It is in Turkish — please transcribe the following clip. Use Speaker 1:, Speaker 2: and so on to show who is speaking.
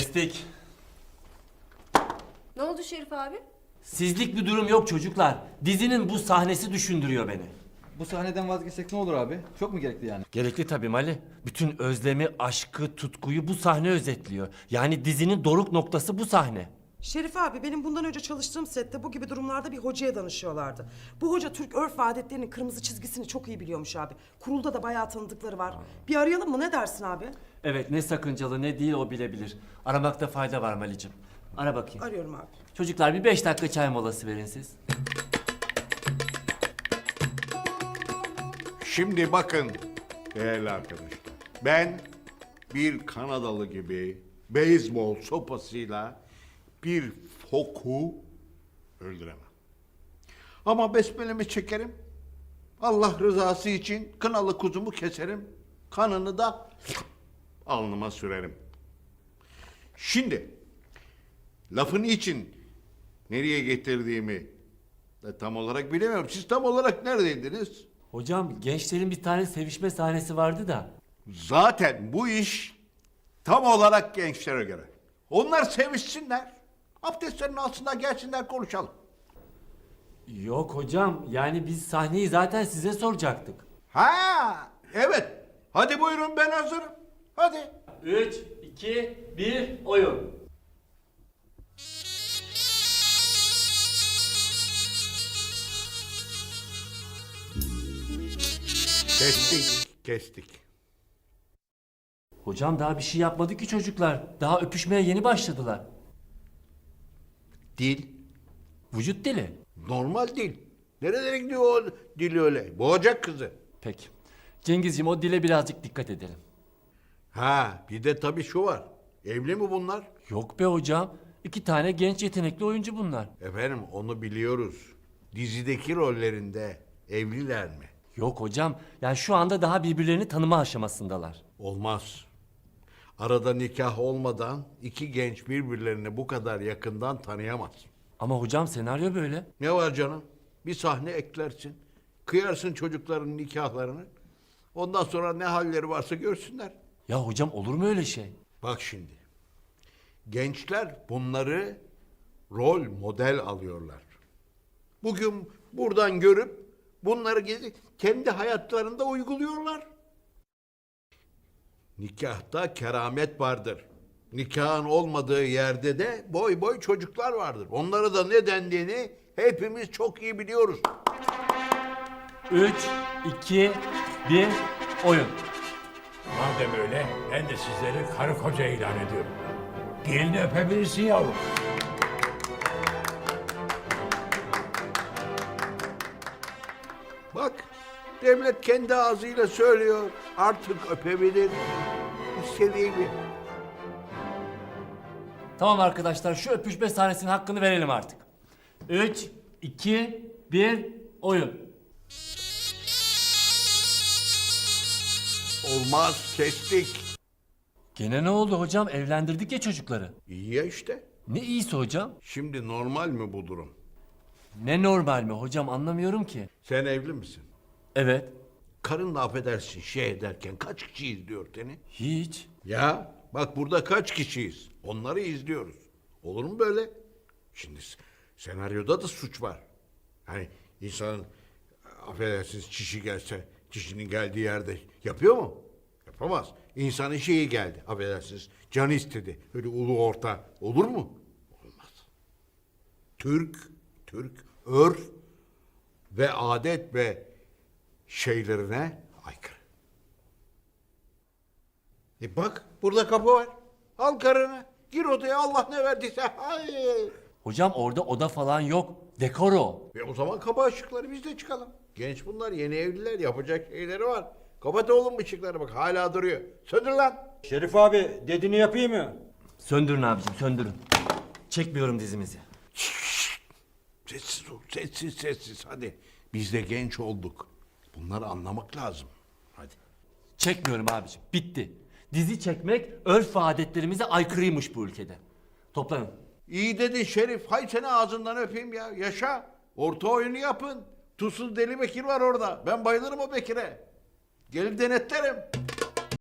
Speaker 1: Kestik.
Speaker 2: Ne oldu Şerif abi?
Speaker 1: Sizlik bir durum yok çocuklar. Dizinin bu sahnesi düşündürüyor beni.
Speaker 3: Bu sahneden vazgeçsek ne olur abi? Çok mu gerekli yani?
Speaker 1: Gerekli tabii Mali. Bütün özlemi, aşkı, tutkuyu bu sahne özetliyor. Yani dizinin doruk noktası bu sahne.
Speaker 4: Şerif abi, benim bundan önce çalıştığım sette bu gibi durumlarda bir hocaya danışıyorlardı. Bu hoca Türk örf ve adetlerinin kırmızı çizgisini çok iyi biliyormuş abi. Kurulda da bayağı tanıdıkları var. Bir arayalım mı, ne dersin abi?
Speaker 1: Evet, ne sakıncalı ne değil o bilebilir. Aramakta fayda var Mali'cim. Ara bakayım.
Speaker 4: Arıyorum abi.
Speaker 1: Çocuklar bir 5 dakika çay molası verin siz.
Speaker 5: Şimdi bakın değerli arkadaşlar. Ben bir Kanadalı gibi beyzbol sopasıyla bir foku öldüremem. Ama besmelemi çekerim. Allah rızası için kınalı kuzumu keserim. Kanını da alnıma sürerim. Şimdi lafın için nereye getirdiğimi de tam olarak bilemiyorum. Siz tam olarak neredeydiniz?
Speaker 1: Hocam gençlerin bir tane sevişme sahnesi vardı da.
Speaker 5: Zaten bu iş tam olarak gençlere göre. Onlar sevişsinler. Abdestlerini alsınlar, gelsinler konuşalım.
Speaker 1: Yok hocam, yani biz sahneyi zaten size soracaktık.
Speaker 5: Ha, evet. Hadi buyurun, ben hazırım. Hadi.
Speaker 1: 3, 2, 1, oyun.
Speaker 5: Kestik.
Speaker 1: Hocam daha bir şey yapmadı ki çocuklar. Daha öpüşmeye yeni başladılar.
Speaker 5: Dil.
Speaker 1: Vücut dili.
Speaker 5: Normal dil. Nerelere gidiyor o dil öyle? Boğacak kızı.
Speaker 1: Peki. Cengizciğim o dile birazcık dikkat edelim.
Speaker 5: Ha, bir de tabii şu var. Evli mi bunlar?
Speaker 1: Yok be hocam. 2 tane genç yetenekli oyuncu bunlar.
Speaker 5: Efendim, onu biliyoruz. Dizideki rollerinde evliler mi?
Speaker 1: Yok hocam. Yani şu anda daha birbirlerini tanıma aşamasındalar.
Speaker 5: Olmaz. Arada nikah olmadan iki genç birbirlerini bu kadar yakından tanıyamaz.
Speaker 1: Ama hocam senaryo böyle.
Speaker 5: Ne var canım? Bir sahne eklersin. Kıyarsın çocukların nikahlarını. Ondan sonra ne halleri varsa görsünler.
Speaker 1: Ya hocam olur mu öyle şey?
Speaker 5: Bak şimdi. Gençler bunları rol model alıyorlar. Bugün buradan görüp bunları kendi hayatlarında uyguluyorlar. Nikahta keramet vardır. Nikahın olmadığı yerde de boy boy çocuklar vardır. Onlara da ne dendiğini hepimiz çok iyi biliyoruz.
Speaker 1: 3, 2, 1, oyun.
Speaker 6: Madem öyle ben de sizleri karı koca ilan ediyorum. Gelini öpebilirsin yavrum.
Speaker 5: Bak, devlet kendi ağzıyla söylüyor. Artık öpebilir. İstediği gibi.
Speaker 1: Tamam arkadaşlar şu öpüşme sahnesinin hakkını verelim artık. 3, 2, 1, oyun.
Speaker 5: Olmaz, kestik.
Speaker 1: Gene ne oldu hocam? Evlendirdik ya çocukları.
Speaker 5: İyi ya işte.
Speaker 1: Ne iyisi hocam?
Speaker 5: Şimdi normal mi bu durum?
Speaker 1: Ne normal mi hocam, anlamıyorum ki.
Speaker 5: Sen evli misin?
Speaker 1: Evet.
Speaker 5: Karınla affedersin şey ederken kaç kişi izliyor seni?
Speaker 1: Hiç.
Speaker 5: Ya bak burada kaç kişiyiz? Onları izliyoruz. Olur mu böyle? Şimdi senaryoda da suç var. Hani insanın affedersiniz çişi gelse çişinin geldiği yerde yapıyor mu? Yapamaz. İnsanın şeyi geldi affedersiniz canı istedi. Öyle ulu orta olur mu? Olmaz. Türk örf ve adet ve şeylerine aykırı. Bak burada kapı var. Al karını. Gir odaya Allah ne verdiyse. Hayır.
Speaker 1: Hocam orada oda falan yok. Dekor o.
Speaker 5: O zaman kapa ışıkları biz de çıkalım. Genç bunlar yeni evliler yapacak şeyleri var. Kapat oğlum ışıkları bak hala duruyor. Söndür lan.
Speaker 3: Şerif abi dediğini yapayım mı?
Speaker 1: Söndürün abicim söndürün. Çekmiyorum dizimizi.
Speaker 5: Sessiz ol sessiz hadi. Biz de genç olduk. Bunları anlamak lazım. Hadi.
Speaker 1: Çekmiyorum abicim. Bitti. Dizi çekmek örf ve adetlerimize aykırıymış bu ülkede. Toplanın.
Speaker 5: İyi dedi Şerif. Hay seni ağzından öpeyim ya. Yaşa. Orta oyunu yapın. Tuzsuz Deli Bekir var orada. Ben bayılırım o Bekir'e. Gelip denetlerim.